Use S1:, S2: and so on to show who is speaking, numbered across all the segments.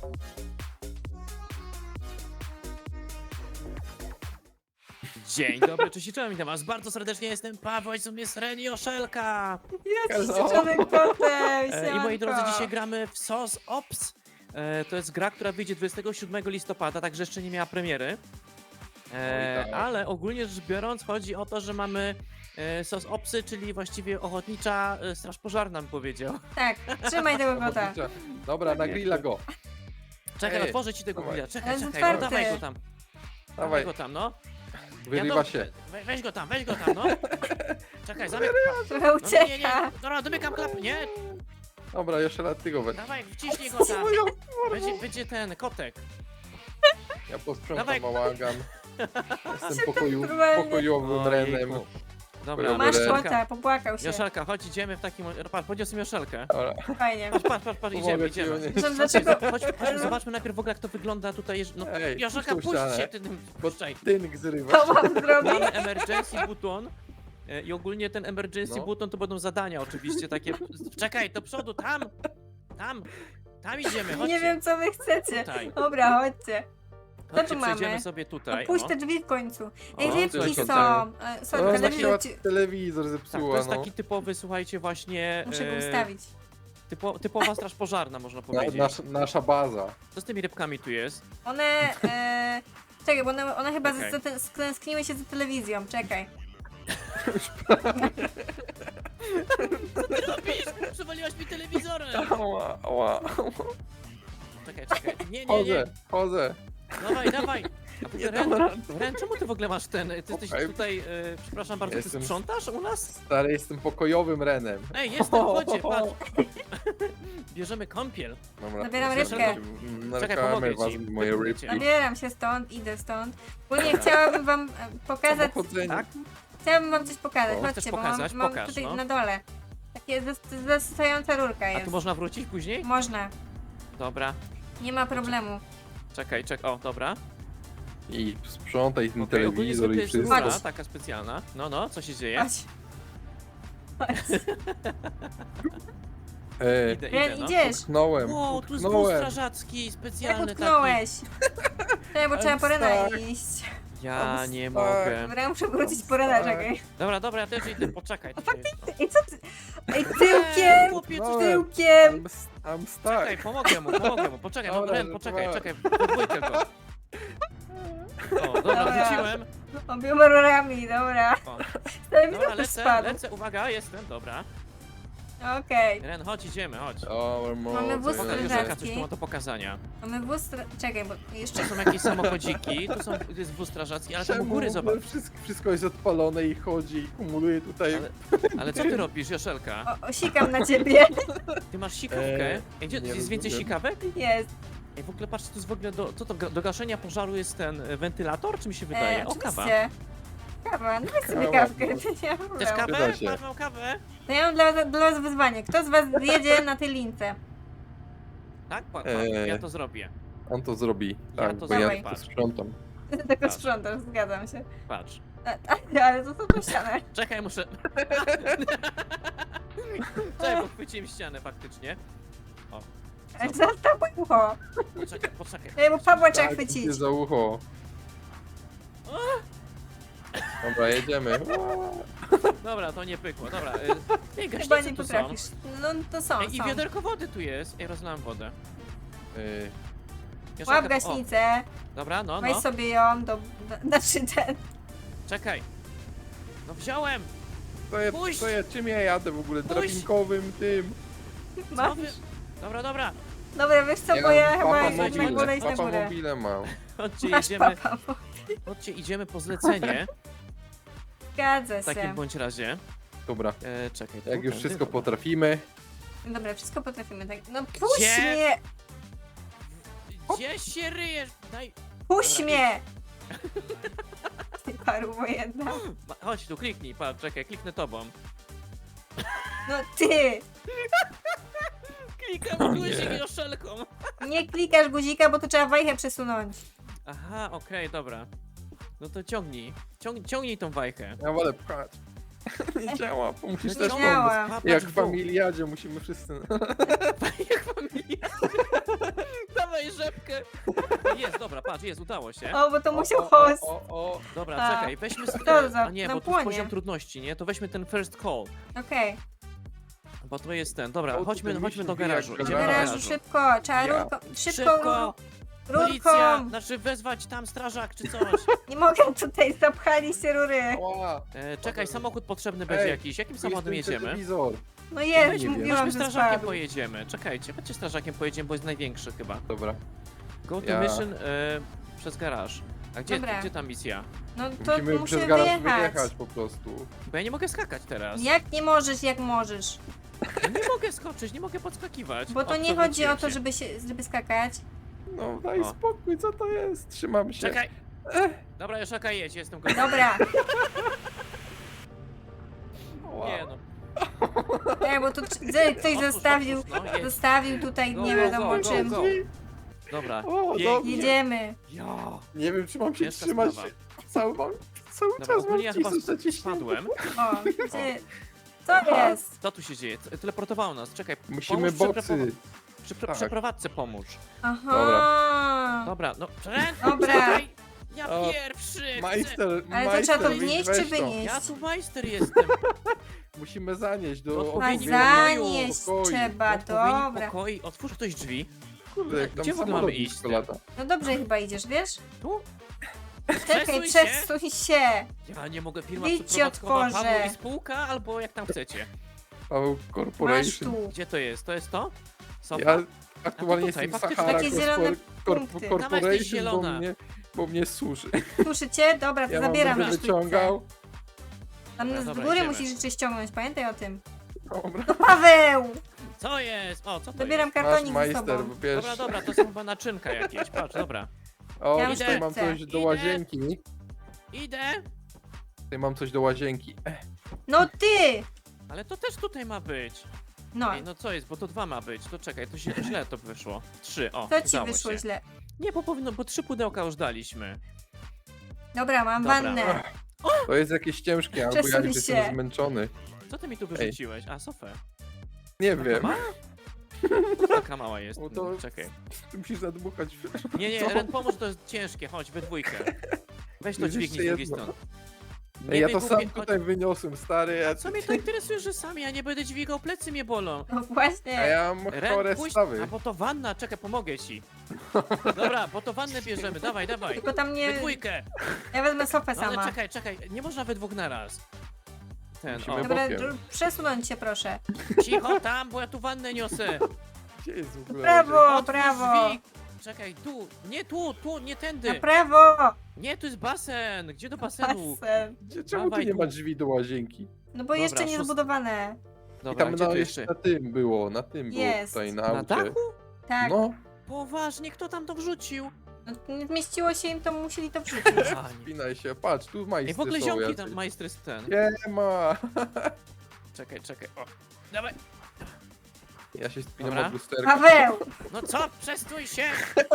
S1: Dzień dobry, cześć i czołem, witam was bardzo serdecznie, jestem Paweł, z jest Ren i Oszelka.
S2: Jest
S3: Hello.
S2: członek kotem,
S1: I moi drodzy, dzisiaj gramy w SOS Ops. To jest gra, która wyjdzie 27 listopada, także jeszcze nie miała premiery.
S3: Oj, tak.
S1: Ale ogólnie rzecz biorąc chodzi o to, że mamy SOS Opsy, czyli właściwie ochotnicza straż pożarna, bym powiedział.
S2: Tak, trzymaj tego kota.
S3: Dobra, na grilla go.
S1: Czekaj,
S3: Ej,
S1: otworzę ci tego
S3: dawaj.
S1: grilla, czekaj,
S2: Ale jest
S1: czekaj, no,
S2: otwarty.
S1: dawaj go tam. Dawaj
S3: Dawaj,
S1: go tam, no.
S3: wyrywa się.
S1: Weź go tam, no. Czekaj, zamykam.
S2: Trochę
S1: No, nie,
S2: ucieka.
S1: dobra, domykam klapy, nie?
S3: Dobra, jeszcze lat ty go weź.
S1: Dawaj, wciśnij go tam. Będzie ten kotek.
S3: Ja posprzątam
S1: Dawaj.
S3: bałagan. Jestem
S2: normalnie.
S3: pokojowym Renem.
S1: Ojejku. Dobra,
S2: Masz
S3: Dobra.
S2: kota, popłakał się.
S1: Joszelka, chodź, idziemy w takim... Patrz, podniosłem Joszelkę.
S3: Dobra,
S2: Fajnie.
S1: Patrz,
S3: pomogę
S1: idziemy.
S3: ci,
S2: Zresztą dlaczego...
S1: Chodźmy, zobaczmy najpierw w ogóle, jak to wygląda tutaj. No,
S3: Ej,
S1: Joszelka,
S3: puść tą
S1: puść
S3: ścianę.
S1: się, ty tym
S3: bo
S1: puszczaj.
S3: tynk zrywa.
S2: To mam zrobić?
S1: Mamy emergency button. I ogólnie ten emergency
S3: No.
S1: button to będą zadania oczywiście takie. Czekaj, do przodu, tam! Tam idziemy, chodźcie.
S2: Nie wiem, co wy chcecie.
S1: Tutaj.
S2: Dobra, chodźcie.
S1: Chodźcie,
S2: tu mamy?
S1: przejdziemy sobie tutaj.
S2: Puść
S1: o.
S2: te drzwi w końcu.
S1: O,
S2: Ej,
S1: tu
S2: rybki
S1: jest
S2: są.
S1: tutaj.
S2: Sorry,
S3: No,
S2: telewizor
S3: zakięła
S2: ci...
S3: telewizor
S1: Tak, to
S3: zepsuła,
S1: jest
S3: no.
S1: taki typowy, słuchajcie, właśnie.
S2: Muszę go ustawić.
S1: Typowa straż pożarna, można powiedzieć.
S3: Nasza baza.
S1: Co z tymi rybkami tu jest?
S2: One... Czekaj, bo one chyba
S1: Okej.
S2: stęskniły się za telewizją. Czekaj.
S1: Przywaliłaś mi telewizorem!
S3: Ała, ała.
S1: Czekaj. Nie.
S3: Chodzę.
S1: Dawaj. A w ogóle, Ren, czemu ty w ogóle masz ten? Ty jesteś
S3: Okej.
S1: tutaj, przepraszam bardzo, ty
S3: Jestem-
S1: sprzątasz u nas?
S3: Stary, jestem pokojowym Renem.
S1: Ej, jestem, chodźcie, patrz. Bierzemy kąpiel.
S3: Dobra,
S2: Zabieram
S3: proszę,
S2: rybkę.
S1: Czekaj,
S3: narkamy
S1: pomogę
S3: was
S1: ci.
S3: w moje rybki.
S2: Zabieram się stąd, idę stąd. Ogólnie chciałabym wam pokazać...
S3: Samochodzenie.
S1: Tak?
S2: Chciałabym wam coś pokazać,
S1: O, chcesz
S2: chodźcie, bo
S1: pokazać?
S2: mam
S1: Pokaż,
S2: tutaj
S1: no.
S2: na dole. Takie zasysająca rurka
S1: A
S2: jest.
S1: tu można wrócić później?
S2: Można,
S1: Dobra.
S2: nie ma problemu.
S1: Czekaj. O, dobra.
S3: I sprzątaj ten
S1: Okej, ogólnie
S3: telewizor
S1: zwykle
S3: i
S1: jest
S3: wszystko.
S1: rura,
S2: Chodź.
S1: taka specjalna. No, co się dzieje?
S2: Chodź. Chodź.
S3: Ej,
S2: Ren,
S1: no.
S2: idziesz.
S3: utknąłem,
S1: Wow, tu jest wóz
S3: utknąłem.
S1: strażacki,
S2: Jak
S1: specjalny taki.
S2: utknąłeś? Czekaj, bo trzeba
S3: I'm
S2: po Rena
S3: stuck.
S2: iść.
S1: Ja
S3: I'm
S1: nie
S3: stuck.
S1: mogę.
S2: Dobra, muszę wrócić po Rena, czekaj.
S1: Dobra, ja też idę, poczekaj.
S2: Ej, co ty? Ej, tyłkiem!
S1: Chłopie,
S3: No.
S1: coś ty...
S2: Tyłkiem!
S3: I'm stuck.
S1: Czekaj, pomogę mu. Poczekaj, no
S3: Dobra,
S1: Ren, poczekaj,
S3: dobra.
S1: czekaj, podwójkę go. O, dobra,
S2: Dobra.
S1: wróciłem.
S2: Obiema rurami, dobra.
S1: O.
S2: Telewizor
S1: Dobra,
S2: też spadł.
S1: lecę, uwaga, jestem, dobra.
S2: Okej.
S1: Ren, chodź, idziemy, chodź.
S3: O,
S2: Mamy wóz
S1: Pokaż
S2: strażacki.
S1: Joszelka, coś tu ma do pokazania.
S2: Mamy wóz... Czekaj, bo jeszcze...
S1: Tu są jakieś samochodziki, tu jest wóz strażacki, ale tam u góry zobacz.
S3: Wszystko jest odpalone i chodzi i kumuluje tutaj.
S1: Ale co ty robisz, Joszelka?
S2: Sikam na ciebie.
S1: Ty masz sikawkę? Ej, gdzie
S3: nie
S1: jest więcej
S3: rozumiem.
S1: sikawek?
S2: Jest.
S1: Ej, w ogóle patrzcie, tu jest w ogóle co to, do gaszenia pożaru jest ten wentylator, czy mi się wydaje? O, kawa.
S2: Oczywiście. Kawa, no weź sobie
S3: Kawa.
S2: kawkę, nie ma
S1: Chcesz
S2: problemu.
S1: kawę?
S3: Zgadza się.
S1: Patrz, mam kawę.
S2: To ja mam dla was wyzwanie. Kto z was zjedzie na tej lince?
S1: Tak? Ja to zrobię.
S3: On to zrobi.
S1: Ja
S3: Tak,
S1: to
S3: bo ja
S2: zrobię.
S3: to sprzątam.
S2: Tylko
S1: Patrz.
S2: sprzątasz, zgadzam się.
S1: Patrz.
S2: Ale to są to ścianę.
S1: Czekaj, muszę... Czekaj, pochwyciłem ścianę faktycznie.
S2: Ale zostaw moje ucho.
S1: Poczekaj.
S2: Ej, bo Pawła trzeba
S3: Tak,
S2: chwycić.
S3: idzie za ucho. Dobra, jedziemy.
S1: Dobra, to nie pykło, dobra. Ej,
S2: Chyba
S1: gaśnice
S2: nie
S1: tu są.
S2: potrafisz. No to są,
S1: Ej, i
S2: są.
S1: wiaderko wody tu jest. Ej, rozlałem wodę. Joszelka,
S2: Łap
S1: o,
S2: gaśnicę,
S1: dobra, no.
S2: weź sobie ją znaczy ten.
S1: Czekaj. No wziąłem. Puść!
S3: Czym ja jadę w ogóle?
S1: Puść!
S3: Drabinkowym tym.
S1: Co
S2: Masz.
S1: wy... Dobra.
S2: Dobra, wiesz co, bo ja chyba
S3: papa
S2: na górę iść na
S3: Papa
S2: górę.
S3: mobile mam.
S1: Chodźcie,
S2: Masz
S1: jedziemy.
S2: papa.
S1: Chodźcie, idziemy po zlecenie.
S2: Zgadza
S1: W takim
S2: się.
S1: bądź razie.
S3: Dobra,
S1: Czekaj.
S3: jak
S1: tu,
S3: już
S1: tędy,
S3: wszystko
S1: dobra.
S3: potrafimy.
S2: Dobra, wszystko potrafimy tak. No puść
S1: Gdzie?
S2: mnie!
S1: Gdzie się ryjesz? Daj.
S2: Puść
S1: Dobra,
S2: mnie! Ty paru wojenna.
S1: Chodź tu, kliknij, patrz, czekaj, kliknę tobą.
S2: No ty!
S1: Klikam
S3: nie.
S1: guzik Joszelką.
S2: Nie klikasz guzika, bo to trzeba wajchę przesunąć.
S1: Aha, okej, dobra. No to ciągnij. Ciągnij tą wajchę.
S3: Ja wolę pchać. Nie działa, bo musisz
S1: No
S3: też
S2: działa.
S3: pomóc.
S1: Patrz,
S3: Jak w
S1: w dół.
S3: familiadzie musimy wszyscy...
S1: Jak familia. Dawaj, patrz, jest, udało się.
S2: O, bo to musiał
S3: O,
S2: host.
S3: o.
S1: Dobra,
S2: A.
S1: czekaj, weźmy
S2: To za-
S1: a nie,
S2: na
S1: bo to jest
S2: płonie.
S1: poziom trudności, nie? To weźmy ten first call,
S2: Okej.
S1: bo to jest ten. Dobra,
S3: O,
S1: chodźmy
S3: tutaj
S1: do
S3: myśl
S1: garażu.
S3: wbija
S1: Idziemy do
S2: Garażu,
S1: garażu.
S2: szybko, trzeba
S3: Ja.
S2: rurką, szybko,
S1: Szybko! Policja!
S2: rurką.
S1: Znaczy wezwać tam strażak czy coś.
S2: Nie mogę tutaj, zapchaliście rury.
S3: Ała.
S1: Czekaj, samochód potrzebny będzie
S3: Ej,
S1: jakiś. Jakim
S3: Tu
S1: samochodem
S3: jest ten
S1: jedziemy?
S3: telewizor.
S2: No jest,
S3: nie wiem.
S2: mówiłam,
S1: Chodźmy
S2: że
S1: strażakiem
S2: spadł.
S1: pojedziemy. Czekajcie, chodźcie strażakiem pojedziemy, bo jest największy chyba.
S3: Dobra.
S1: Go to
S3: Ja.
S1: mission przez garaż. A
S2: Dobra.
S1: gdzie ta misja?
S2: No to
S3: Musimy
S2: musimy
S3: przez garaż
S2: wyjechać.
S3: wyjechać po prostu.
S1: Bo ja nie mogę skakać teraz.
S2: Jak nie możesz, jak możesz.
S1: Ja nie mogę skoczyć, nie mogę podskakiwać.
S2: Bo to
S1: O,
S2: nie chodzi o to,
S1: przewróciłem
S2: żeby skakać.
S3: No daj
S1: O.
S3: spokój, co to jest? Trzymam
S1: się.
S3: się.
S1: Czekaj! Dobra, już okej, jedź, jestem gotowy.
S2: Dobra.
S3: Ała.
S1: Nie no.
S2: Ej, bo tu ktoś
S1: Otwórz,
S2: zostawił,
S1: otwórz, no, jedź.
S2: zostawił tutaj
S1: Go,
S2: nie
S1: go,
S2: wiadomo
S1: go,
S2: czym.
S1: go. Dobra,
S3: O,
S1: pięknie.
S3: dobrze.
S2: Jedziemy.
S1: Ja.
S3: Nie wiem, czy mam się
S1: Ciężka
S3: trzymać.
S1: sprawa.
S3: Cały
S1: Dobra,
S3: czas mam
S1: ogólnie ja chyba
S3: wcisnąć zaciśnięte.
S1: spadłem.
S2: O, gdzie... Co jest?
S1: Co tu się dzieje? Teleportowało nas, czekaj.
S3: Musimy
S1: pomóż
S3: boksy.
S1: Przy
S3: Tak.
S1: przeprowadzce pomóż.
S2: Aha.
S1: Dobra, no Ren,
S2: Dobra.
S1: czekaj. Ja
S3: O,
S1: pierwszy chcę.
S3: Majster,
S2: Ale to
S3: majster,
S2: trzeba to
S3: wyjdź,
S2: wnieść
S3: weź
S2: czy
S3: to.
S2: wynieść?
S1: Ja tu majster jestem.
S3: Musimy zanieść do
S1: Do
S2: A
S1: odpowiednich
S2: zanieść
S3: pokoju.
S2: trzeba,
S1: Odpowiednich
S2: dobra.
S1: pokoi, otwórz ktoś drzwi.
S3: Kurde, jak tam
S1: Gdzie w ogóle
S3: samolot
S1: mamy iść?
S3: blisko lata.
S2: No dobrze chyba idziesz, wiesz?
S1: Tu?
S2: Czekaj,
S1: się.
S2: przesuń się.
S1: Ja nie mogę, firma
S2: Idź ci
S1: przeprowadzkowa,
S2: otworzę.
S1: Paweł i spółka, albo jak tam chcecie.
S3: Paweł
S2: Masz
S3: Corporation.
S2: tu.
S1: Gdzie to jest? To jest to? Sofa?
S3: Ja aktualnie
S1: tutaj,
S3: jestem
S1: faktycznie
S3: Sahara
S2: takie zielone punkty.
S1: Tam jesteś
S3: Corporation, bo
S1: zielona.
S3: bo mnie suszy.
S2: Słyszycie? Dobra, to
S3: Ja
S2: zabieram
S3: będę
S2: na sztućce.
S3: wyciągał.
S2: Tam
S1: Dobra,
S2: z
S1: dobra,
S2: góry
S1: idziemy.
S2: musisz jeszcze ściągnąć, pamiętaj o tym.
S3: Dobra.
S2: No Paweł!
S1: Co jest? O, co to
S2: Zabieram
S1: jest?
S3: Masz
S2: kartonik ze
S3: majster,
S2: sobą.
S3: wiesz.
S1: Dobra, dobra, to są chyba naczynka jakieś, patrz, dobra.
S3: O,
S2: Ja
S3: tutaj
S1: już
S3: mam
S2: chcę.
S3: coś do
S1: Idę.
S3: łazienki.
S1: Idę,
S3: Tutaj mam coś do łazienki.
S2: No ty!
S1: ale to też tutaj ma być.
S2: No,
S1: Ej, no co jest, bo to 2 ma być, to czekaj, to źle to wyszło. 3, o,
S2: to ci
S1: udało
S2: wyszło
S1: się.
S2: źle.
S1: Nie, bo powinno, bo 3 pudełka już daliśmy.
S2: Dobra, mam
S1: Dobra.
S2: wannę.
S3: To jest jakieś ciężkie, albo ja
S2: Przesuń
S3: już
S2: się.
S3: jestem zmęczony.
S1: Co ty mi tu wyrzuciłeś? A, sofę.
S3: Nie
S1: Taka
S3: wiem.
S1: mała? Taka mała jest.
S3: Bo to-
S1: Czekaj.
S3: Ty musisz zadmuchać.
S1: Nie, nie,
S3: Co?
S1: Ren, pomóż, to jest ciężkie, chodź, we dwójkę. Weź to
S3: Jest
S1: dźwignij z
S3: jeszcze
S1: drugiej
S3: jedno.
S1: strony.
S3: Ej, ja to
S1: wygłupię-
S3: sam tutaj wyniosłem, stary.
S1: Co mnie to interesuje, że sam ja nie będę dźwigał, plecy mnie bolą.
S2: No właśnie.
S3: A ja mam chore
S1: Ren, pójdź,
S3: stawy.
S1: a bo to wanna, czekaj, pomogę ci. Dobra, bo to wannę bierzemy, dawaj, dawaj.
S2: Tylko tam
S1: We
S2: nie...
S1: dwójkę.
S2: Ja wezmę sofę
S1: No ale
S2: sama.
S1: czekaj, czekaj, nie można we dwóch naraz. Ten,
S3: Musimy
S1: o.
S2: Dobra,
S3: bokiem.
S2: przesunąć się proszę.
S1: Cicho tam, bo ja tu wannę niosę.
S3: Gdzie jest w ogóle
S2: Brawo!
S3: łazienka?
S1: Otwórz
S2: brawo.
S1: drzwi. Czekaj, tu, nie tu, nie
S2: Na
S1: tędy.
S2: prawo!
S1: Nie, tu jest basen. Gdzie do basenu?
S2: Basen.
S3: Czemu tu
S1: Dawaj
S3: nie
S1: tu.
S3: ma drzwi do łazienki?
S2: No bo
S1: Dobra,
S2: jeszcze nie
S1: szóst-
S2: zbudowane.
S3: I
S1: Dobra,
S3: tam
S1: gdzie
S3: na,
S1: tu
S3: jeszcze
S1: jeszcze?
S3: na tym było, na tym było
S2: Jest.
S3: tutaj na
S1: Na
S3: aucie.
S1: dachu?
S2: Tak.
S3: No,
S1: Poważnie, kto tam to wrzucił?
S2: No, nie zmieściło się im, to musieli to wrzucić.
S1: Ani.
S3: spinaj się, patrz, tu majstry
S1: Ej, w ogóle
S3: są
S1: ziomki
S3: jacyś.
S1: tam, majstry z ten.
S3: Nie ma.
S1: Czekaj, czekaj, o. Dawaj.
S3: Ja się spinam
S1: Dobra.
S3: od lusterka.
S2: Paweł!
S1: No co? Przestój się!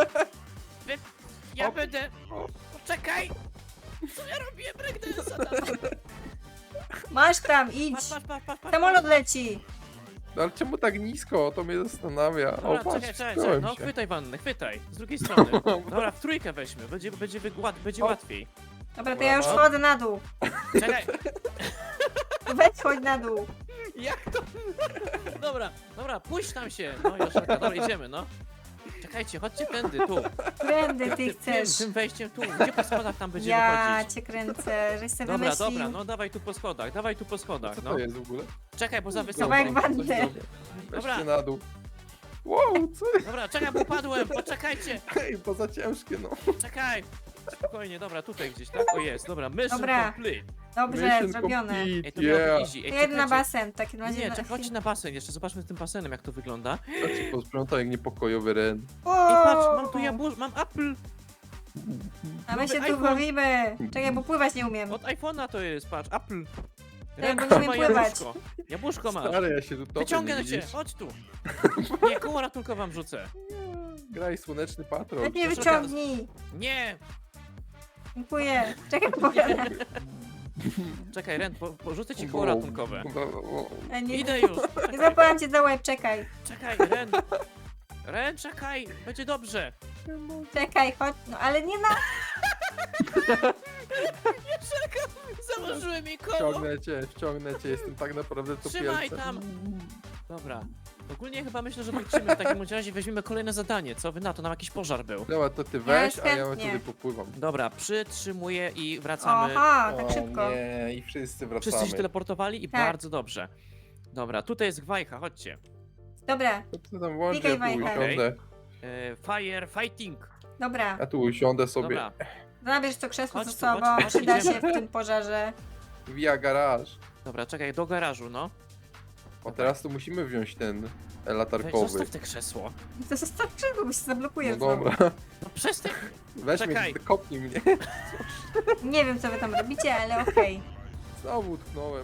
S1: Ja
S3: O.
S1: będę... Poczekaj! Co ja robię? Breakdance'a tam!
S2: Masz tam, idź!
S1: Patrz.
S2: Samolot leci!
S3: No ale czemu tak nisko? To mnie zastanawia.
S1: Dobra,
S3: O, patrz,
S1: czekaj,
S3: wspiąłem
S1: no
S3: się.
S1: chwytaj wannę, chwytaj, z drugiej strony. Dobra, w trójkę weźmy, będzie
S3: O.
S1: łatwiej.
S2: Dobra, to ja już
S3: Dobra.
S2: schodzę na dół.
S1: Czekaj,
S2: Weź chodź na dół.
S1: jak to? Dobra, puść tam się. No Joszelka, dobra, idziemy, no. Czekajcie, chodźcie tędy, tu.
S2: Którędy ty chcesz?
S1: Tym wejściem tu, gdzie po schodach tam będziemy
S2: Ja
S1: chodzić?
S2: cię kręcę, żeś sobie
S1: Dobra,
S2: wymyślił.
S1: dobra, no dawaj tu po schodach,
S3: Co
S1: no.
S3: to jest w ogóle?
S1: Czekaj, bo za wysoko.
S2: Kawałek wanny.
S1: Dobra.
S3: Weźcie na dół. Wow, co?
S1: Dobra, czekaj, bo upadłem, poczekajcie.
S3: Hej, bo za ciężkie, no.
S1: Czekaj! Spokojnie, dobra, tutaj gdzieś, tak? O jest, dobra, mission
S2: Dobra.
S1: complete.
S2: Dobrze,
S3: Mission
S2: zrobione.
S3: complete,
S1: Ej, to miało
S3: yeah.
S1: być easy. Ej,
S2: Jeden na
S1: czekajcie.
S2: basen, w takim razie.
S1: Nie, czekaj, chodźcie na basen jeszcze, zobaczmy z tym basenem, jak to wygląda.
S3: To ci posprzątaj jak niepokojowy Ren.
S1: Ej, patrz, mam tu mam Apple!
S2: A my się
S1: nowy
S2: tu
S1: iPhone.
S2: bawimy. Czekaj, bo pływać nie umiem.
S1: Od iPhone'a to jest, patrz, Apple.
S2: Ja
S1: Ręka
S2: bo nie
S1: ma
S2: umiem pływać.
S1: jabłuszko. Jabłuszko masz.
S3: Stary, ja się tu topię,
S1: Wyciągnę
S3: nie
S1: cię,
S3: widzisz?
S1: chodź tu. Nie, koło ratunkowe wam rzucę.
S3: Graj Słoneczny Patrol.
S2: Weź mnie
S1: Proszę
S2: wyciągnij.
S1: Nie!
S2: Dziękuję. Czekaj, pogadam.
S1: Czekaj, Ren, porzucę ci koło ratunkowe.
S2: A nie,
S1: Idę już.
S2: nie złapałam cię za łeb, czekaj.
S1: Czekaj, Ren. Ren, czekaj, będzie dobrze.
S2: Czekaj, chodź. No ale nie na...
S1: Założyłem jej koło.
S3: Wciągnę cię, jestem tak naprawdę
S1: Trzymaj
S3: topielcem.
S1: tam. Dobra. Ogólnie chyba myślę, że wrócimy w takim razie, weźmiemy kolejne zadanie. Co wy na to? Nam jakiś pożar był.
S3: Dobra, to ty weź,
S2: Ja
S3: a ja
S2: chętnie.
S3: sobie popływam.
S1: Dobra, przytrzymuję i wracamy.
S2: Aha, tak
S3: O
S2: szybko.
S3: nie, i wszyscy wracamy.
S1: Wszyscy się teleportowali i
S2: Tak.
S1: bardzo dobrze. Dobra, tutaj jest gwajcha, chodźcie.
S2: Dobra,
S3: To ty tam włącz,
S2: Klikaj,
S3: ja tu
S2: Wajcha.
S3: usiądę.
S1: Fire fighting.
S2: dobra.
S3: Ja tu usiądę sobie.
S1: Dobra,
S2: Zabierz to krzesło
S1: Chodź
S2: ze
S1: tu, chodź,
S2: sobą,
S1: chodź,
S2: przyda się
S1: idziemy.
S2: w tym pożarze.
S3: Via garaż.
S1: dobra, czekaj, do garażu, no.
S3: O, teraz to musimy wziąć ten
S1: Weź,
S3: latarkowy.
S1: zostaw te krzesło.
S2: To zostaw krzesło, bo się zablokuje
S3: No
S2: znowu.
S3: dobra,
S1: No przestań.
S3: weź
S1: Czekaj.
S3: mnie, kopnij mnie.
S2: Nie wiem, co wy tam robicie, ale okej.
S3: Znowu utknąłem.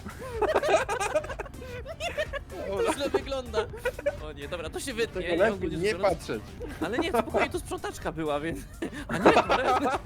S1: To
S3: Dobra,
S1: źle wygląda. O nie, dobra, to się wytnie.
S3: tego lepiej
S1: ogólnie
S3: nie
S1: rzecz biorąc.
S3: patrzeć.
S1: Ale nie, spokojnie, tu sprzątaczka była, więc... A nie, dobra.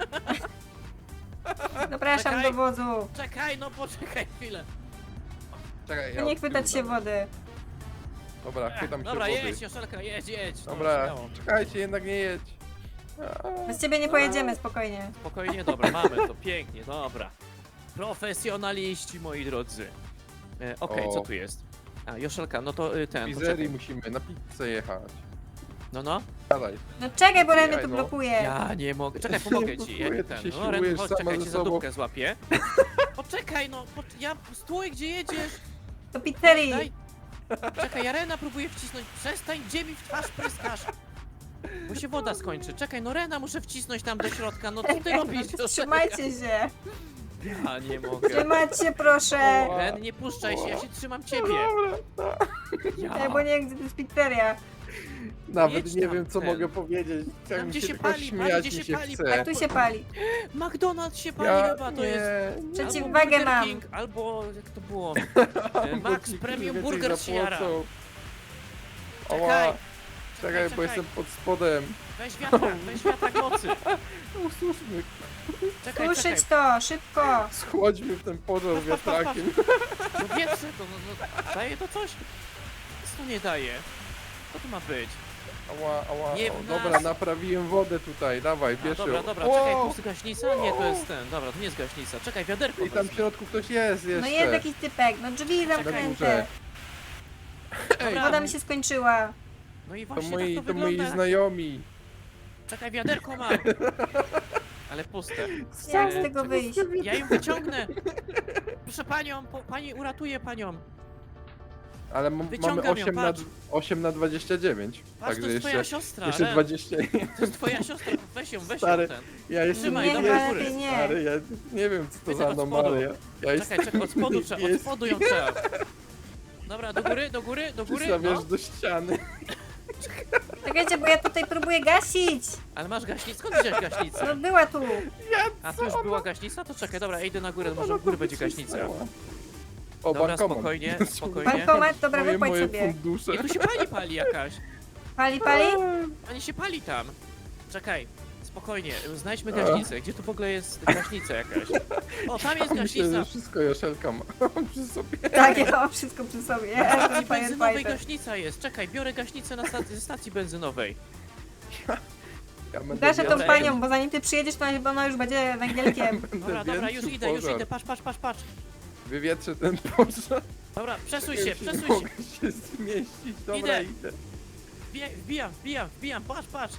S2: Zapraszam
S1: Czekaj.
S2: do wozu.
S1: Czekaj, no poczekaj chwilę.
S3: Czekaj,
S2: No nie chwytać się wody.
S3: Dobra, chwytam się
S1: Dobra,
S3: wody.
S1: jedź, Joszelka, jedź. No,
S3: Dobra,
S1: śmiało.
S3: czekajcie, jednak nie jedź.
S2: Bez ciebie nie pojedziemy, spokojnie.
S1: Spokojnie, dobra, mamy to, pięknie, dobra. Profesjonaliści, moi drodzy. Okej,
S3: O.
S1: co tu jest? A, Joszelka, no to
S3: W
S1: ten,
S3: pizzerii
S1: poczekaj.
S3: musimy na pizzę jechać.
S1: No.
S3: Dalej.
S2: No czekaj, bo Ren mnie
S3: Jaj,
S2: tu
S3: no.
S2: blokuje.
S1: Ja nie mogę. Czekaj, pomogę ci.
S3: Blokuję,
S1: Jak
S3: ty
S1: ten.
S3: się
S1: No, Ren,
S3: siłujesz
S1: chodź,
S3: sama
S1: czekaj,
S3: ze
S1: cię za
S3: sobą.
S1: dupkę złapię. Poczekaj, no, ja stój, gdzie jedziesz?
S2: Do pizzerii.
S1: Daj. Czekaj, ja Rena próbuję wcisnąć. Przestań, gdzie mi w twarz pryskasz? Bo się woda skończy. Czekaj, no Rena muszę wcisnąć tam do środka. No co ty robisz?
S2: Trzymajcie się.
S1: Ja nie mogę.
S2: Trzymać się, proszę.
S1: Ren, nie puszczaj się, ja się trzymam ciebie.
S3: Dobra,
S1: Ja.
S2: Bo nie wiem, gdzie to jest pizzeria.
S3: nawet
S1: Jedź
S3: nie
S1: tam,
S3: wiem co
S1: ten.
S3: mogę powiedzieć. Tak mi
S1: gdzie
S3: się
S1: się
S3: tylko
S1: pali,
S3: śmiać
S1: gdzie
S3: mi
S1: się
S3: się
S1: pali,
S3: chce.
S2: A tu się pali.
S1: McDonald's się pali
S3: Ja
S1: chyba, to
S3: nie,
S1: jest.
S3: nie.
S2: Przeciwwagę
S1: Albo Burger
S2: mam.
S1: King, albo jak to było?
S3: Bo
S1: Max
S3: ci
S1: Premium
S3: więcej
S1: Burger się jara.
S3: zapłacą.
S1: Czekaj.
S3: Ała, czekaj, bo
S1: czekaj.
S3: jestem pod spodem.
S1: Weź wiatrak mocy.
S3: Usłyszmy,
S2: Słyszyć to, szybko.
S3: schodźmy w ten pożar
S1: Patrz, patrz, patrz,
S3: wiatrakiem.
S1: No wietrze to, daje to coś? Co to nie daje? Co to ma być?
S3: Ała,
S1: Nie
S3: o,
S1: w
S3: dobra,
S1: nas.
S3: naprawiłem wodę tutaj, dawaj,
S1: A,
S3: bierz
S1: dobra,
S3: ją.
S1: dobra,
S3: Wow!
S1: czekaj, to jest gaśnica? Nie, to jest ten, dobra, to nie jest gaśnica. Czekaj, wiaderko
S3: I tam w
S1: wezmę.
S3: środku ktoś jest jeszcze.
S2: No jest jakiś typek, no drzwi
S3: Na
S2: zamknięte.
S3: górze. Ej,
S1: Dobra.
S2: Woda mi się skończyła.
S1: No i
S3: to
S1: właśnie
S3: moi,
S1: tak to
S3: to moi
S1: wygląda.
S3: znajomi.
S1: Czekaj, wiaderko mam. Ale puste.
S2: Jak z
S1: E,
S2: tego
S1: czekaj,
S2: wyjść?
S1: Ja ją wyciągnę. Proszę panią, pani uratuje panią.
S3: Ale mamy
S1: Wyciągam ją,
S3: 8 na,
S1: patrz.
S3: 8 na 29.
S1: Patrz,
S3: Także
S1: to jest twoja
S3: jeszcze,
S1: siostra.
S3: jeszcze
S1: Ren.
S3: 20.
S1: To jest twoja siostra, weź ją
S3: Stary,
S1: ten.
S3: Ja jeszcze
S1: Trzymaj,
S3: nie
S1: dobra,
S3: wiem,
S1: lepiej
S2: nie.
S3: stary, ja nie wiem co to
S1: Widzę
S3: za
S1: od spodu.
S3: anomalia. Ja
S1: Czekaj, czekaj, od spodu trzeba, od
S3: jest-
S1: spodu ją trzeba. Dobra, do góry, do góry, do góry,
S3: Przystawiasz
S1: no.
S3: do ściany.
S2: Czekajcie, bo ja tutaj próbuję gasić.
S1: Ale masz gaśnicę? Skąd wziąłeś gaśnicę?
S2: No była tu.
S1: A tu już była gaśnica? To czekaj, dobra, ja idę na górę, może u góry będzie gaśnica.
S3: O,
S1: Dobra,
S3: bankomat.
S1: spokojnie, spokojnie.
S2: Bankomat, dobra,
S3: Moje
S2: wypłać sobie.
S3: fundusze.
S1: I tu się pali jakaś.
S2: Pali?
S1: Pani się pali tam. Czekaj, spokojnie, znajdźmy gaśnicę. Gdzie tu w ogóle jest gaśnica jakaś? O, tam jest
S3: Myślę,
S1: gaśnica.
S3: że wszystko Joszelka ma przy sobie.
S2: Tak, ja mam wszystko przy sobie. Ja
S1: Na
S2: jestem
S1: stacji benzynowej
S2: firefighter.
S1: gaśnica jest. Czekaj, biorę gaśnicę ze stacji benzynowej.
S3: Ja będę
S2: Gaszę tą
S1: Dobra,
S2: panią, bo zanim ty przyjedziesz, to ona już będzie węgielkiem.
S1: Dobra, dobra, już idę, patrz.
S3: Wywietrzę ten pożar.
S1: Dobra, przesuń
S3: Ja
S1: się,
S3: nie
S1: przesuń się.
S3: mogę się zmieścić. Dobra,
S1: Idę.
S3: idę.
S1: Wbijam, patrz.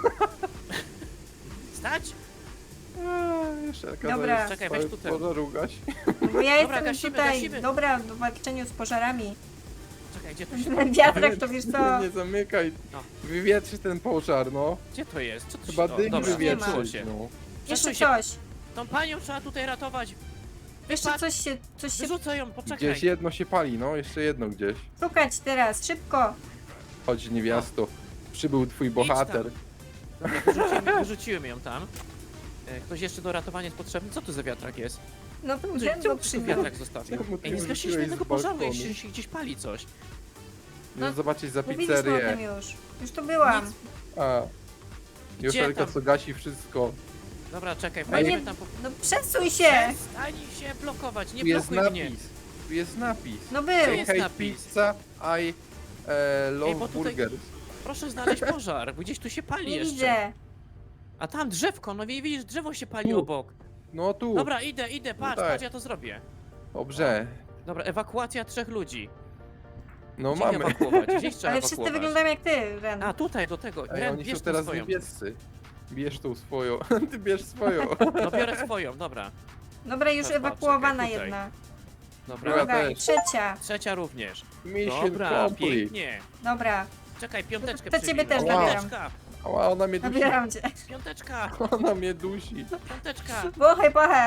S1: Stać?
S3: Joszelka,
S2: Dobra.
S3: zaraz
S1: Czekaj,
S3: cały
S1: weź tu ten.
S3: pożar ugać.
S2: Bo ja
S1: Dobra,
S2: jestem
S1: gasimy,
S2: tutaj
S1: gasimy.
S2: dobra w walczeniu z pożarami.
S1: Czekaj, gdzie to się...
S2: Wiatrak to wiesz co?
S3: Nie zamykaj.
S1: No.
S3: Wywietrzyć ten pożar, no.
S1: Gdzie to jest? Co to
S3: Chyba
S1: się...
S3: dym
S1: dobra,
S3: wywietrzyć,
S1: zaczęło się.
S3: no.
S2: Jeszcze
S1: Przesuń się.
S2: coś.
S1: Tą panią trzeba tutaj ratować.
S2: Jeszcze
S1: Patrz.
S2: coś się
S1: Wyrzucę ją, poczekaj.
S3: Gdzieś jedno się pali, no. Jeszcze jedno gdzieś.
S2: szukać teraz, szybko.
S3: Chodź, niewiasto. Przybył twój bohater.
S1: Dobra, wyrzuciłem ją tam. Ktoś jeszcze do ratowania jest potrzebny? Co tu za wiatrak jest?
S2: No to
S1: Czemu
S2: ten
S1: tu
S2: go przywiózł.
S1: wiatrak zostawił?
S3: Czemu ty
S1: Ej, nie
S3: ją
S1: zgasiliśmy
S3: rzuciłeś
S1: jednego
S3: z
S1: pożaru,
S3: balkonu?
S1: jeśli się gdzieś pali coś.
S3: No, zobaczyć za
S2: Mówiliśmy o tym
S3: pizzerię.
S2: już. Już tu byłam.
S1: Nic.
S3: A. Joszelka
S1: tam?
S3: co gasi wszystko.
S1: Dobra, czekaj,
S2: No nie-
S1: wejdźmy tam po...
S2: No przesuń się.
S1: Przestań się blokować, nie
S3: Tu jest
S1: blokuj mnie.
S3: napis. Tu jest napis.
S2: No był.
S1: jest
S3: Hej
S1: napis?
S3: pizza, I love
S1: bo tutaj-
S3: burgers.
S1: Proszę znaleźć pożar, bo gdzieś tu się pali
S2: Nie
S1: jeszcze.
S2: widzę.
S1: A tam drzewko, no widzisz, drzewo się pali
S3: Tu.
S1: obok.
S3: No tu.
S1: Dobra, idę, patrz,
S3: Tutaj.
S1: patrz, ja to zrobię.
S3: Dobrze.
S1: Dobra, ewakuacja 3 ludzi.
S3: No
S1: Gdzie
S3: mamy.
S1: ewakuować? Gdzieś trzeba
S2: Ale wszyscy
S1: ewakuować.
S2: wyglądają jak ty, Ren.
S1: A, tutaj, do tego.
S3: Ej,
S1: Ren,
S3: oni
S1: bierz
S3: są
S1: tą
S3: teraz
S1: swoją.
S3: niebiescy. Bierz tą swoją. Ty bierz swoją.
S1: No biorę swoją, dobra.
S2: Dobra, już
S1: Patrz,
S2: ewakuowana
S1: czekaj, tutaj.
S2: jedna.
S1: Dobra.
S3: Ja
S2: Druga i
S3: też.
S2: trzecia.
S1: Trzecia również.
S3: Mission
S1: Dobra,
S3: complete.
S1: pięknie.
S2: Dobra,
S1: Czekaj, piąteczkę
S2: To ciebie
S1: przybij.
S2: też
S3: zabieram.
S1: Piąteczka,
S3: Ała, ona mnie dusi.
S2: zabieram cię.
S1: piąteczka,
S3: Ona mnie dusi.
S1: piąteczka.
S2: Bochaj, bochaj.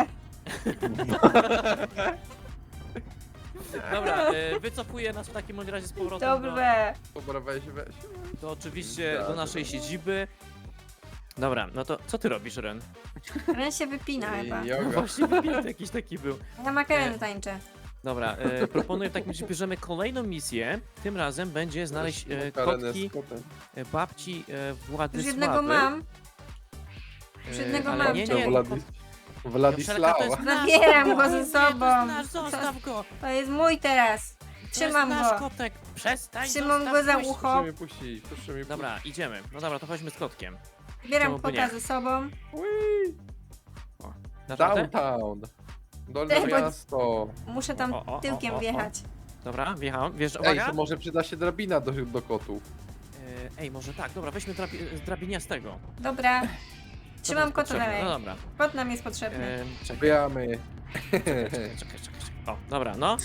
S1: Dobra, wycofuję nas w takim bądź razie z powrotem
S2: Dobrze.
S3: Dobra, weź.
S1: do oczywiście do
S3: Dobra.
S1: naszej siedziby. Dobra, no to co ty robisz, Ren?
S2: Ren się wypina chyba.
S1: No
S3: Joga.
S1: właśnie wypięty jakiś taki był.
S2: Ja makareny tańczę.
S1: Dobra, proponuję w takim razie bierzemy kolejną misję. Tym razem będzie znaleźć
S3: Karenę
S1: kotki
S3: z kotem.
S1: babci
S2: Już
S1: Władysławy.
S2: jednego mam. Już jednego
S1: ale
S2: mam,
S1: nie,
S2: czekaj.
S1: nie,
S3: To
S1: Joszelka, to
S3: Władysława.
S1: jest nasz
S2: Zabieram
S1: kot.
S2: go ze
S1: Nie,
S2: sobą.
S1: To jest nasz, zostaw go.
S2: To jest mój teraz.
S1: To
S2: Trzymam
S1: jest nasz
S2: go.
S1: kotek. Przestań,
S2: Trzymam
S1: zostaw,
S2: go za
S1: puść.
S2: ucho.
S3: Proszę mnie puścić, proszę mnie
S1: Dobra, idziemy. No dobra, to chodźmy z kotkiem.
S2: Bieram
S1: Czemu by
S2: kota
S1: nie?
S2: ze sobą.
S3: puścić.
S1: Dasz radę?
S3: Downtown. Dolne
S2: Ej, bo-
S3: miasto.
S2: Muszę tam
S1: O.
S2: tyłkiem wjechać.
S1: Dobra, wjechałem. Wiesz,
S3: Ej,
S1: uwaga.
S3: to może przyda się drabina do kotów.
S1: Ej, może tak. Dobra, weźmy z drabiniastego.
S2: Dobra.
S1: Co
S2: Trzymam
S1: nam
S2: kota
S1: potrzebne?
S2: dalej.
S1: No dobra.
S2: Kot nam jest potrzebny.
S1: Czekaj,
S3: Bijamy.
S1: czekaj. O, dobra, no.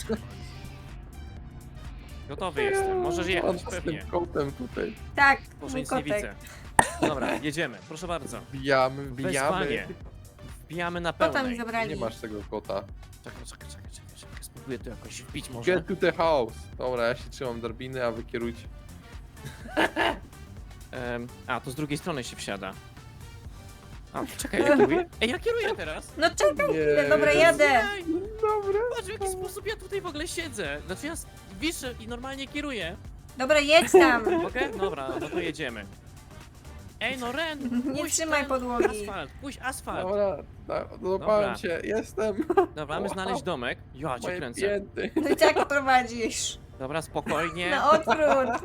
S1: Gotowy jestem. Możesz jechać,
S3: On z
S1: pewnie.
S3: tym kotem tutaj.
S2: Tak,
S1: Boże,
S2: mój
S1: nic nie
S2: kotek.
S1: widzę. Dobra, jedziemy. Proszę bardzo.
S3: Wbijamy.
S1: Wezwanie. Wbijamy na
S2: Kota mi
S1: pełnej.
S2: zabrali.
S3: Nie masz tego kota.
S1: Czekaj. Spróbuję to jakoś wbić może.
S3: Get to the house. Dobra, ja się trzymam drabiny, a wy kierujcie.
S1: A, to z drugiej strony się wsiada. A, czekaj, ja kieruję? Ej, ja kieruję teraz!
S2: No czekaj
S3: Nie.
S2: chwilę, dobra, jadę.
S1: Ej,
S3: Dobra.
S1: patrz w jaki sposób ja tutaj w ogóle siedzę. Znaczy ja wiszę i normalnie kieruję.
S2: Dobra, jedź tam.
S1: Mogę? Dobra, no to jedziemy. Ej, no Ren!
S2: Nie
S1: puść
S2: trzymaj
S1: ten
S2: podłogi.
S1: puść asfalt.
S3: Dobra,
S1: Dobra.
S3: złapałem cię. Jestem.
S1: Dobra, mamy znaleźć domek. Ja cię
S3: Moje
S1: kręcę.
S3: pięty.
S2: No i tak prowadzisz.
S1: Dobra, spokojnie.
S2: Na odwrót.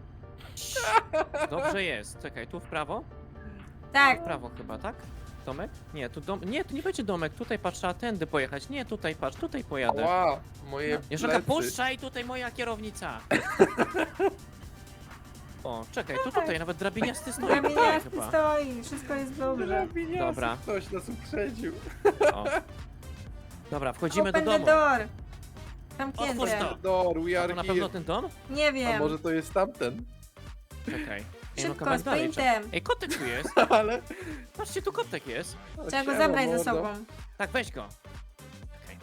S1: Dobrze jest. Czekaj, tu w prawo?
S2: Tak.
S1: W prawo chyba, tak? Domek? Nie, tu nie, tu nie będzie domek. Tutaj patrz, trzeba tędy pojechać. Nie, tutaj patrz, tutaj pojadę.
S3: Ła, moje
S1: Joszelka,
S3: plecy.
S1: puszczaj, tutaj moja kierownica. O, czekaj, to tutaj nawet drabiniasty stoi.
S2: Drabiniasty
S1: chyba.
S2: stoi, wszystko jest dobrze.
S3: Drabiniasty,
S1: Dobra.
S3: Ktoś nas uprzedził.
S1: O. Dobra, wchodzimy do
S2: Open the
S1: domu.
S2: door.
S1: Otwórz
S2: Zamknięte.
S1: to.
S3: Door, we
S1: To
S3: are
S1: na
S3: here.
S1: pewno ten dom?
S2: Nie
S3: A
S2: wiem.
S3: może to jest tamten?
S1: Czekaj. Ej,
S2: Szybko,
S1: kawałek
S2: z
S1: dalej trzeba-
S2: paintem.
S1: Ej, kotek tu jest.
S3: Ale...
S1: Patrzcie, tu kotek jest.
S2: Trzeba go
S3: Siema,
S2: zabrać ze
S3: mordo.
S2: sobą.
S1: Tak, weź go. Czekaj.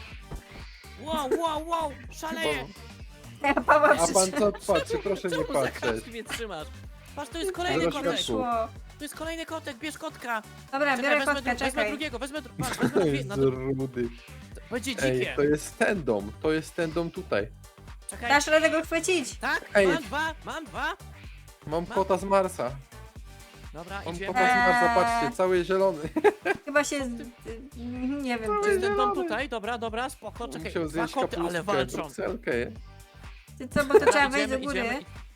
S1: Wow, szaleję.
S2: Ja Paweł
S3: A pan
S2: przyszedł.
S3: co patrzy? Proszę nie
S1: Czemu za
S3: patrzeć.
S1: kartki mnie trzymasz? Patrz, to jest kolejny
S3: Zaraz
S1: kotek.
S3: światło.
S2: Szło.
S1: To jest kolejny kotek, bierz kotka.
S2: Dobra, biorę
S1: wezmę,
S2: kotka,
S1: wezmę
S2: czekaj.
S1: drugiego, wezmę
S3: To
S1: dwie,
S3: jest
S1: no,
S3: rudy.
S1: będzie
S3: Ej,
S1: dzikie.
S3: to jest ten dom. To jest ten dom tutaj.
S1: Czekaj.
S2: Dasz radę go chwycić?
S1: Tak,
S3: Ej.
S1: mam dwa.
S3: Mam kota z Marsa.
S1: Dobra,
S3: Mam
S1: idziemy.
S3: kota z Marsa, patrzcie, cały zielony.
S2: Chyba się... Nie wiem.
S1: To jest ten dom tutaj, dobra, spoko, czekaj.
S3: Musiał
S1: Dwa
S3: zjeść
S1: koty, ale
S3: kapustkę,
S1: walczą.
S3: brukselkę.
S2: Ty co, bo to trzeba wejść do
S1: Idziemy,
S2: góry.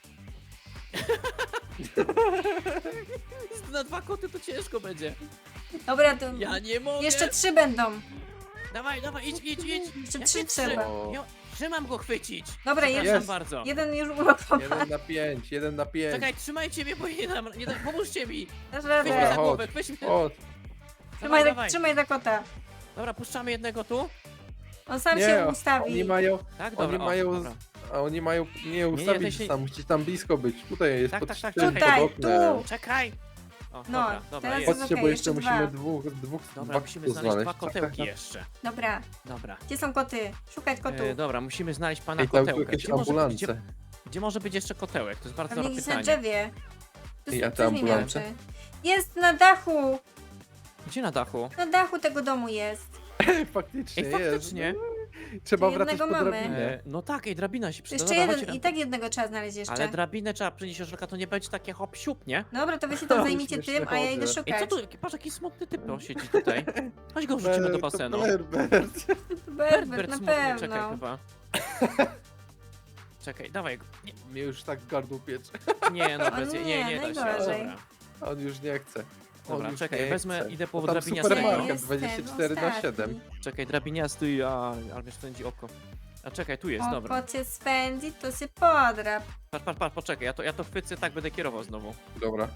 S1: Na dwa koty to ciężko będzie.
S2: Dobra, to
S1: Ja nie mogę.
S2: jeszcze 3 będą.
S1: Dawaj, idź.
S2: Jeszcze
S1: Jakie
S2: 3 trzeba.
S3: O.
S1: Że mam go chwycić.
S2: Dobra,
S1: Przepraszam
S3: jest.
S1: bardzo.
S2: Jeden już uratowany.
S3: 1 na 5, 1 na 5.
S1: Czekaj, trzymajcie mnie, bo nie dam, pomóżcie mi.
S2: Dasz
S1: Weź mnie za
S2: radę.
S3: Dobra.
S1: głowę, weź mnie.
S3: O,
S2: Trzymaj za kota.
S1: Dobra, puszczamy jednego tu.
S2: On sam
S3: nie,
S2: się ustawi.
S3: oni mają,
S1: Tak,
S3: oni
S1: dobra.
S3: mają,
S1: Dobra.
S3: a oni mają, nie
S1: nie,
S3: ustawić
S1: to się-
S3: tam, musicie tam blisko być. Tutaj jest
S1: Tak,
S3: pod
S1: tak, tak,
S3: tym,
S1: czekaj.
S3: pod
S2: Tutaj,
S3: oknem.
S2: tu.
S1: Czekaj. O,
S2: No,
S1: dobra,
S2: teraz
S1: jest.
S3: Chodźcie, bo
S2: Okej,
S3: jeszcze
S2: jeszcze
S3: musimy
S2: dwa.
S1: Dobra,
S3: dwa
S1: musimy
S3: kotów
S1: znaleźć dwa
S3: Tak, tak,
S1: kotełki
S3: tak.
S1: jeszcze.
S2: Dobra,
S1: Dobra.
S2: gdzie są koty? Szukać kotów.
S1: Dobra, musimy znaleźć pana
S3: Ej, tam tu
S1: kotełka.
S3: jakieś
S1: Gdzie może,
S3: ambulance.
S1: gdzie może być jeszcze kotełek? To jest bardzo
S2: Pewnie
S1: dobre
S2: gdzieś na
S1: pytanie.
S2: drzewie. Tu
S3: Ej, a te
S2: coś mi
S3: ambulance?
S2: miaczy. Jest na dachu!
S1: Gdzie na dachu?
S2: Na dachu tego domu jest.
S3: Faktycznie
S1: Ej,
S3: jest.
S1: faktycznie.
S3: Trzeba
S2: Jednego
S3: wracać po
S2: mamy.
S3: drabinę.
S1: No tak, ej, drabina się przyda.
S2: Jeszcze
S1: Dobra,
S2: jeden
S1: chodźcie
S2: i tak jednego trzeba znaleźć jeszcze.
S1: Ale drabinę trzeba przynieść, Joszelka, to nie będzie takie hop siup, nie?
S2: Dobra, to wy się tam zajmijcie
S3: Śmieszny
S2: tym, a ja idę
S3: chodzę.
S1: Ej, co
S2: szukać.
S1: tu? Patrz, jaki smutny typ siedzi tutaj. Chodź go wrzucimy do basenu.
S3: Berbert.
S2: Berbert, na
S1: smutny, czekaj
S2: pewno.
S1: chyba. Czekaj, dawaj go.
S3: Mnie już tak gardło piecze.
S1: Nie, no
S2: O
S1: bez,
S2: nie,
S1: nie da się.
S2: najgorzej.
S1: Dobra.
S3: On już nie chce.
S1: Dobra,
S3: już
S1: czekaj,
S3: nie
S1: wezmę,
S3: chce.
S1: idę po
S3: To tam
S1: drabiniastego.
S3: supermarket.
S2: Jestem
S3: 24/7.
S2: ostatni.
S1: Czekaj, drabiniasty, ale mnie spędzi oko. A czekaj, tu jest, dobra.
S2: Oko cię spędzi, to się podrap.
S1: Patrz, poczekaj, ja to chwycę, tak będę kierował znowu.
S3: Dobra.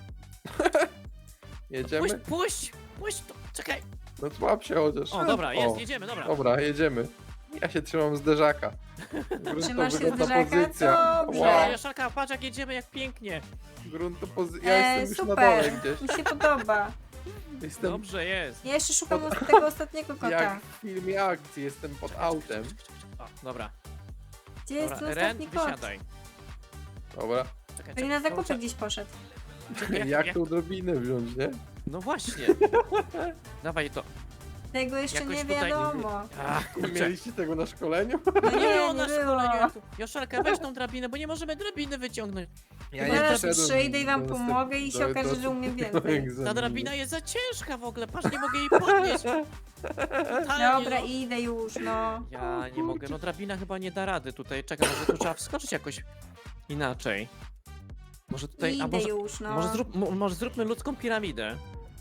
S3: Jedziemy?
S1: Puść to, czekaj.
S3: No złap się chociaż.
S1: O, dobra, jest,
S3: O,
S1: jedziemy, dobra.
S3: Dobra, jedziemy. Ja się trzymam zderzaka.
S2: Trzymasz się
S3: Gruntowygodna
S2: zderzaka?
S3: pozycja.
S2: Dobrze.
S3: Wow,
S1: Jaszalka, patrz jak jedziemy, jak pięknie.
S3: ja jestem już na dole
S2: Super,
S3: gdzieś.
S2: mi się podoba.
S3: Jestem
S1: Dobrze jest.
S2: Ja jeszcze szukam tego ostatniego kota.
S3: jak w filmie akcji, jestem pod autem.
S1: O, dobra.
S2: Gdzie jest
S1: Dobra,
S2: ten
S1: Ren,
S2: ostatni kot?
S1: wysiadaj.
S3: Dobra.
S1: Czekaj,
S2: Pewnie na zakupy
S1: kurczę,
S2: gdzieś poszedł.
S1: czekaj,
S3: Jak tą drobinę wziąć, nie?
S1: No właśnie. Dawaj to.
S2: Tego jeszcze
S1: Jakoś
S2: nie
S1: tutaj-
S2: wiadomo.
S1: Ach,
S3: Nie
S1: kurczę.
S3: mieliście tego na szkoleniu?
S1: No nie
S2: Nie,
S1: było
S2: nie
S1: na
S2: było.
S1: szkoleniu. Joszelka, weź tą drabinę, bo nie możemy drabiny wyciągnąć.
S3: Ja
S2: nie Zaraz
S3: wszedłem
S2: przyjdę i wam
S3: do
S2: pomogę i się okaże, że umiem więcej.
S3: egzaminu.
S1: Ta drabina jest za ciężka w ogóle, patrz, nie mogę jej podnieść. Totalnie,
S2: Dobra,
S1: no.
S2: idę już, no.
S1: Ja nie mogę, no drabina chyba nie da rady tutaj. Czekaj, może tu trzeba wskoczyć jakoś inaczej. Może tutaj, a
S2: Idę
S1: może,
S2: już, no.
S1: może zróbmy ludzką piramidę.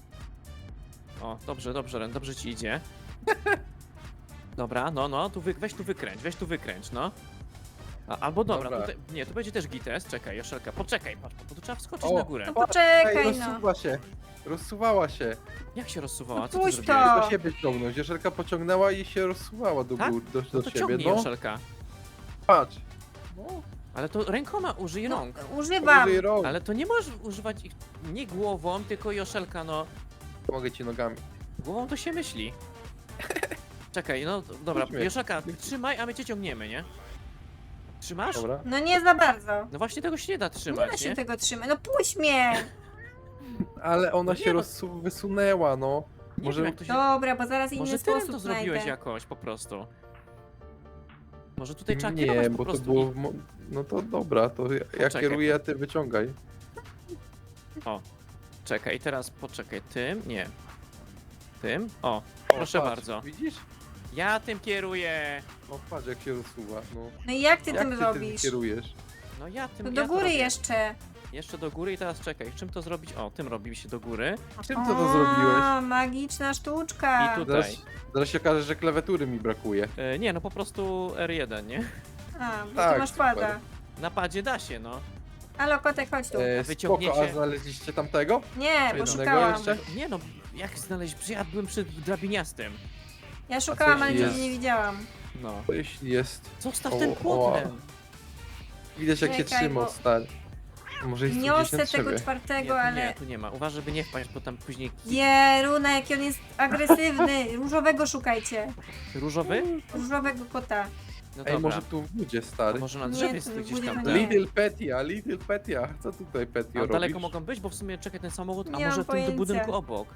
S1: O, dobrze, Ren, dobrze ci idzie. Dobra, no, weź tu wykręć, no. Albo dobra,
S3: Dobra.
S1: tutaj, nie, tu będzie też gites, czekaj, Joszelka, poczekaj, patrz, bo tu trzeba wskoczyć
S3: O.
S1: na górę.
S2: No poczekaj,
S3: Ej,
S2: no.
S3: rozsuwa się. Rozsuwała się.
S1: Jak się rozsuwała,
S2: No
S1: co ty
S2: puść
S1: zrobiłeś?
S2: to.
S3: Do siebie ciągnąć. Joszelka pociągnęła i się rozsuwała do
S1: Tak?
S3: góry,
S1: No
S3: do
S1: to
S3: siebie.
S1: ciągnij,
S3: No,
S1: Joszelka.
S3: patrz. No,
S1: Ale to rękoma użyj rąk.
S2: Używam.
S3: użyj rąk.
S1: Ale to nie możesz używać ich nie głową, tylko Joszelka, no.
S3: Mogę ci nogami.
S1: Głową to się myśli. Czekaj, no dobra,
S3: Puść mnie.
S1: Joszelka, trzymaj, a my cię ciągniemy, nie? Trzymasz?
S3: Dobra.
S2: No nie za bardzo.
S1: No właśnie tego się nie da
S2: Nie da
S1: trzymać,
S2: się
S1: nie?
S2: tego trzymać. No puść mnie.
S3: Ale ona
S1: No nie
S3: się
S1: no.
S3: wysunęła, no.
S1: Nie
S3: Może-
S1: wiem, jak to się...
S2: Dobra, bo zaraz inny
S1: Może ty Ren
S2: sposób
S1: to zrobiłeś
S2: znajdę.
S1: jakoś, po prostu. Może tutaj trzeba kierować
S3: Nie,
S1: po
S3: bo to
S1: prostu.
S3: było... No to dobra, to ja
S1: Poczekaj.
S3: kieruję, a ty wyciągaj.
S1: Czekaj, i teraz poczekaj, tym? Nie. Tym? O, proszę
S3: patrz,
S1: bardzo.
S3: Widzisz?
S1: Ja tym kieruję.
S3: No patrz jak się rozsuwa, no.
S2: No i jak ty
S3: Jak
S2: tym
S3: ty
S2: robisz?
S3: kierujesz?
S1: No ja tym
S2: To
S1: ja
S2: do
S1: to
S2: góry
S1: robię.
S2: jeszcze.
S1: Jeszcze do góry i teraz czekaj, czym to zrobić? O, tym robi się do góry.
S3: Czym ty to zrobiłeś?
S2: A, magiczna sztuczka.
S1: I tu-
S3: Zaraz,
S1: Tutaj.
S3: zaraz się okaże, że klawiatury mi brakuje.
S1: Nie, no po prostu R1, nie?
S2: A, bo
S3: Tak,
S2: tu masz
S3: super.
S2: pada.
S1: Na padzie da się, no.
S2: Halo, kotek, chodź tu.
S3: Spoko,
S1: wyciągniecie-
S3: a znaleźliście tamtego?
S2: Nie, bo
S3: jednego
S2: szukałam.
S3: jeszcze?
S1: Nie no, jak znaleźć? Przecież ja byłem przed drabiniastym.
S2: Ja szukałam, ale
S3: jeśli
S2: nigdzie
S3: jest?
S2: nie widziałam.
S1: No.
S3: To jeśli jest...
S1: Zostaw
S3: O,
S1: ten
S3: o.
S1: płotem.
S3: Widać jak się
S2: Czekaj,
S3: trzyma,
S2: bo-
S3: stary. Może jest tu gdzieś
S2: Niosę
S3: na
S2: tego
S3: drzewie.
S2: czwartego,
S1: Nie,
S2: ale...
S1: tu nie ma. Uważaj, by nie wpaść, bo tam później...
S2: Jeruna, jaki on jest agresywny. Różowego szukajcie.
S1: Różowy?
S2: Różowego kota.
S1: No
S3: Ej,
S1: dobra.
S3: może tu w budzie,
S1: A
S3: stary.
S1: może na
S2: Nie,
S1: drzewie
S2: tu
S1: jest gdzieś
S2: będzie
S1: tam,
S2: to nie.
S1: tak?
S3: Little Petia. Co tutaj Petio
S1: A
S3: robisz?
S1: daleko mogą być, bo w sumie czekaj ten samochód, a
S2: Nie mam
S1: może w tym
S2: pojęcia.
S1: budynku obok.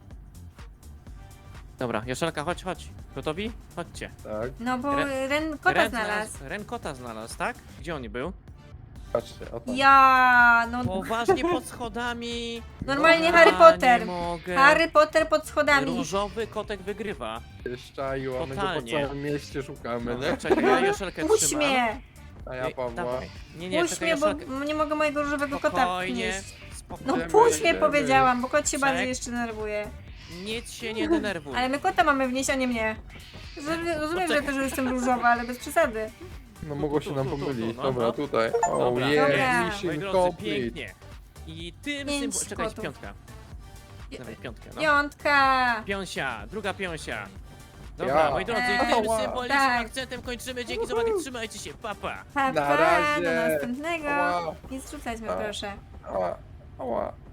S1: Dobra, Joszelka, chodź. Gotowi? Chodźcie.
S3: Tak,
S2: No bo
S1: Ren-
S2: Ren kota
S1: Ren
S2: znalazł.
S1: Ren kota znalazł, tak? Gdzie on był?
S3: patrzcie, o tam.
S2: Ja, no
S1: Poważnie pod schodami.
S2: normalnie
S1: Ja
S2: Harry Potter.
S1: Nie mogę.
S2: Harry Potter pod schodami.
S1: Różowy kotek wygrywa.
S3: Szczaju, a my go po
S1: Totalnie.
S3: całym mieście szukamy,
S1: No,
S3: nie?
S1: czekaj, ja Joszelkę
S2: Puść
S1: trzymam.
S2: mnie.
S3: A ja
S1: Ej,
S3: Pawła.
S1: dawaj. Nie,
S2: Puść
S1: czekaj,
S2: mnie, bo
S1: Joszelkę.
S2: nie mogę mojego różowego kota
S1: Spokojnie,
S2: wnieść. No
S1: spokojnie.
S2: puść mnie
S3: Idziemy.
S2: powiedziałam, bo kot się
S1: Czek.
S2: bardziej jeszcze denerwuje.
S1: Nic się nie denerwuj.
S2: Ale my kota mamy wnieść, a nie mnie. Rozumiem, że też jestem różowa, ale bez przesady.
S3: No mogło się nam
S1: tu,
S3: pomylić.
S1: no,
S3: Dobra,
S1: no.
S3: tutaj. O,
S1: Dobra.
S2: Dobra.
S3: jest,
S1: Moi
S3: mission
S1: drodzy,
S3: complete.
S1: pięknie. I tym
S2: Pięć
S1: symbol... Czekaj,
S2: kotów.
S1: piątka. Dawaj, piątkę, no.
S2: Piątka.
S1: Piąsia, druga piąsia. Dobra,
S3: Ja.
S1: moi drodzy, i tym
S3: Ała.
S1: symbolicznym
S2: Tak.
S1: akcentem kończymy. Dzięki za uwagę, trzymajcie się, papa.
S2: Pa,
S3: Na
S2: pa,
S3: razie.
S2: do następnego.
S3: Ała.
S2: Nie zrzucać mnie,
S3: Ała.
S2: proszę.
S3: Ała, ała.